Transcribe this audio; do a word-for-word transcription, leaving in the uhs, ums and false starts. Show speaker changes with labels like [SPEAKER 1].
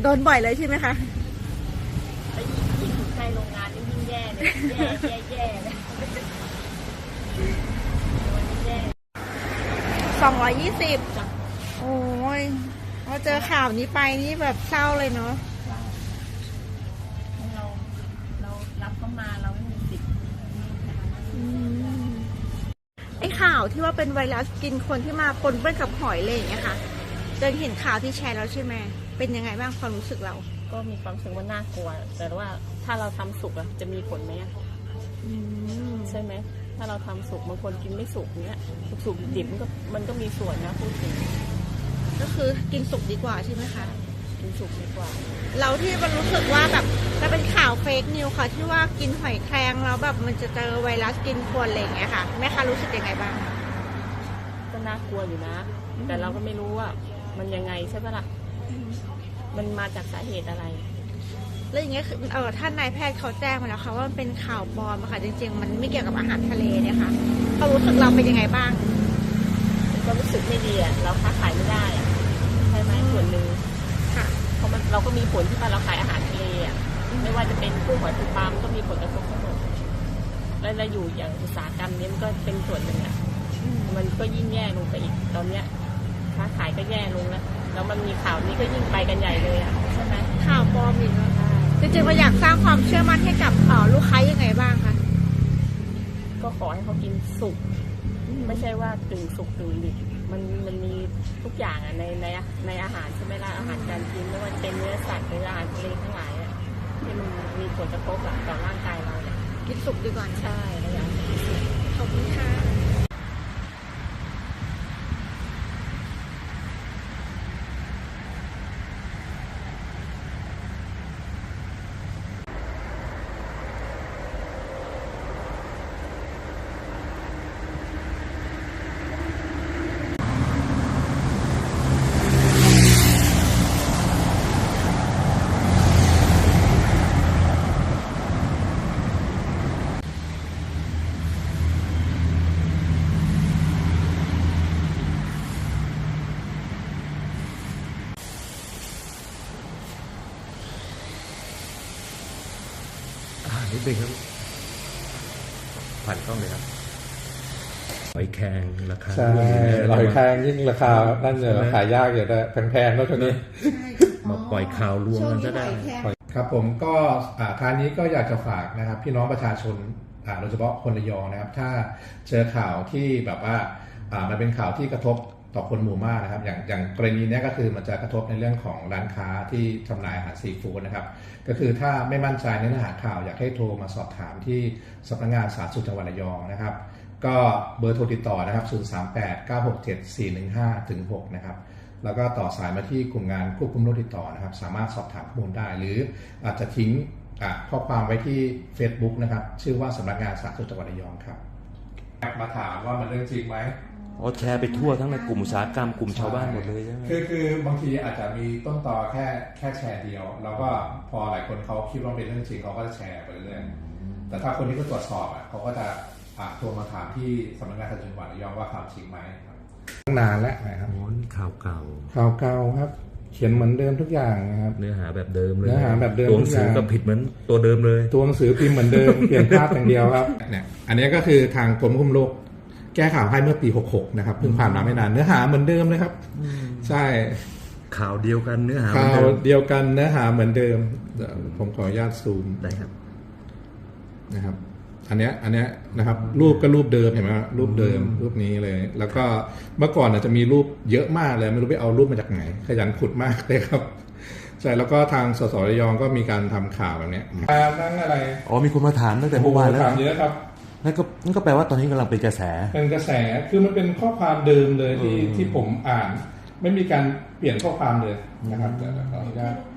[SPEAKER 1] โดนบ่อยเลยใช่ไหมคะ
[SPEAKER 2] ไปยิ่งใกล้โรงงานยิ่งแย่เลยแย่แย่แย่เลย
[SPEAKER 1] สองร้อยยี่สิบโอ้ยพอเจอข่าวนี้ไปนี่แบบเศร้าเลยเนาะ
[SPEAKER 2] เราเรารับเข้ามาเราไม่มีสิทธิ์
[SPEAKER 1] ไอ้ข่าวที่ว่าเป็นไวรัสกินคนที่มาปนเปื้อนกับหอยเลยอย่างเงี้ยค่ะเจนเห็นข่าวที่แชร์แล้วใช่ไหมเป็นยังไงบ้างความรู้สึกเรา
[SPEAKER 2] ก็มีความรู้สึกว่าน่ากลัวแต่ว่าถ้าเราทำสุกอะจะมีผลไหมใช่ไหมถ้าเราทำสุกบางคนกินไม่สุกเนี้ยสุกดิบมันก็มันก็มีส่วนนะพูดถึง
[SPEAKER 1] ก็คือกินสุกดีกว่าใช่ไหมคะ
[SPEAKER 2] กินสุกดีกว่า
[SPEAKER 1] เราที่มันรู้สึกว่าแบบมันเป็นข่าวเฟกนิวค่ะที่ว่ากินหอยแครงแล้วแบบมันจะเจอไวรัสกินคนอะไรอย่างเงี้ยค่ะแม่คะรู้สึกยังไงบ้าง
[SPEAKER 2] ก็น่ากลัวอยู่นะแต่เราก็ไม่รู้ว่ามันยังไงใช่ปะล่ะมันมาจากสาเหตุอะไร
[SPEAKER 1] แล้วอย่างเงี้ยเออท่านนายแพทย์เขาแจ้งมาแล้วค่ะว่ามันเป็นข่าวปลอมค่ะจริงๆมันไม่เกี่ยวกับอาหารทะเลเนี่ยค่ะเขารู้สึกเราเป็นยังไงบ้าง
[SPEAKER 2] ก็รู้สึกไม่ดีอ่ะเราค้าขายไม่ได้อ่ะใช่ไหมส่วนหนึ่ง
[SPEAKER 1] ค่ะ
[SPEAKER 2] เพราะมันเราก็มีผลที่เราขายอาหารทะเลอ่ะไม่ว่าจะเป็นกุ้งหอยปูปลาก็มีผลกระทบทั้งหมดแล้วเราอยู่อย่างอุตสาหกรรมนี้มันก็เป็นส่วนหนึ่งอ่ะมันก็ยิ่งแย่ลงไปอีกตอนเนี้ยค้าขายก็แย่ลงแล้วแล้วมันมีข่าวนี้ก็ยิ่งไปกันใหญ่เลยอ่ะใช่ไหม
[SPEAKER 1] ข่าวปลอมอีกแล้วจริงๆเราอยากสร้างความเชื่อมั่นให้กับลูกค้ายังไงบ้างคะ
[SPEAKER 2] ก็ขอให้เขากินสุกไม่ใช่ว่ากึ่งสุกกึ่งดิบมันมันมีทุกอย่างอ่ะในในในอาหารใช่ไหมล่ะอาหารการกินไม่ว่าเป็นเนื้อสัตว์หรืออาหารทะเลทั้งหลายอ่ะที่มันมีผลกระทบต่อร่างกายเราเนี่ย
[SPEAKER 1] กินสุกดีกว่า
[SPEAKER 2] ใช่แล้วอย่าง
[SPEAKER 1] ขอบคุณค่ะ
[SPEAKER 3] นิดนึงครับผ่านกล้องเลยครับหอยแครงราคา
[SPEAKER 4] ใช่หอยแครงยิ่งราคานั่นเลยขายยากอยู่แต่แพงๆแล้วตอนนี้
[SPEAKER 3] มาปล่อยข่าวลวงกันก็ได้
[SPEAKER 4] ครับผมก็ทางนี้ก็อยากจะฝากนะครับพี่น้องประชาชนโดยเฉพาะคนระยองนะครับถ้าเจอข่าวที่แบบว่ามันเป็นข่าวที่กระทบต่อคนหมู่มากนะครับอย่างอย่างกรณีนี้ก็คือมันจะกระทบในเรื่องของร้านค้าที่จำหน่ายอาหารซีฟู้ดนะครับก็คือถ้าไม่มั่นใจในเนื้อหาข่าวอยากให้โทรมาสอบถามที่สำนักงานสาธารณสุขจังหวัดระยองนะครับก็เบอร์โทรติดต่อนะครับศูนย์ สาม แปด เก้า หก เจ็ด สี่ หนึ่ง ห้า ถึง หกนะครับแล้วก็ต่อสายมาที่กลุ่มงานควบคุมโรคติดต่อนะครับสามารถสอบถามข้อมูลได้หรืออาจจะทิ้งข้อความไว้ที่ Facebook นะครับชื่อว่าสำนักงานสาธารณสุขจังหวัดระยองครับมาถามว่ามันเรื่องจริงไหม
[SPEAKER 3] อ๋อแชร์ไปทั่วทั้งในกลุ่มอุตสาหกรรมกลุ่มชาวบ้านหมดเลยใช่ไหม
[SPEAKER 4] คือคือบางทีอาจจะมีต้นตอแค่แค่แชร์เดียวแล้วก็พอหลายคนเขาคิดว่าเป็นเรื่องจริงเขาก็จะแชร์ไปเรื่อยแต่ถ้าคนที่เขาตรวจสอบอ่ะเขาก็จะโทรมาถามที่สำนักงานสาธารณสุขจังหวัดระยองว่าข่าวจริงไหมนานแล้วนะครับ
[SPEAKER 3] ข่าวเก่า
[SPEAKER 4] ข่าวเก่าครับเขียนเหมือนเดิมทุกอย่างนะครับ
[SPEAKER 3] เนื้อหาแบบเดิมเลย
[SPEAKER 4] เนื้อหาแบบเดิม
[SPEAKER 3] ตัวหนังสือก็ผิดเหมือนตัวเดิมเลย
[SPEAKER 4] ตัวหนังสือพิมพ์เหมือนเดิมเปลี่ยนภาพอย่างเดียวครับเนี่ยอันนี้ก็คือทางกรมควบคุมโรคแก้ข่าวให้เมื่อปีหกหกนะครับเพิ่งผ่านมาไม่นานเนื้อหาเหมือนเดิมเลยครับใช่
[SPEAKER 3] ข่าวเดียวกันเนื้อหา
[SPEAKER 4] ข่าวเดียวกันเนื้อหาเหมือนเดิมผมขออนุญาตซูม
[SPEAKER 3] ได้ครับ
[SPEAKER 4] นะครับอันเนี้ยอันเนี้ยนะครับรูปก็รูปเดิมเห็นไหมรูปเดิมรูปนี้เลยแล้วก็เมื่อก่อนอาจจะมีรูปเยอะมากเลยไม่รู้ไปเอารูปมาจากไหนขยันขุดมากเลยครับใช่แล้วก็ทางสสระยองก็มีการทำข่าวแบบนี้นั่งอะไร
[SPEAKER 3] อ๋อมีคนมาถามตั้งแต่เมื่อวานแล้ว
[SPEAKER 4] ถามเยอะครับ
[SPEAKER 3] นั่นก็นั่นก็แปลว่าตอนนี้กำลังเป็นกระแส
[SPEAKER 4] เป็นกระแสคือมันเป็นข้อความเดิมเลยที่ที่ผมอ่านไม่มีการเปลี่ยนข้อความเลยนะครับแต่ขออนุญาต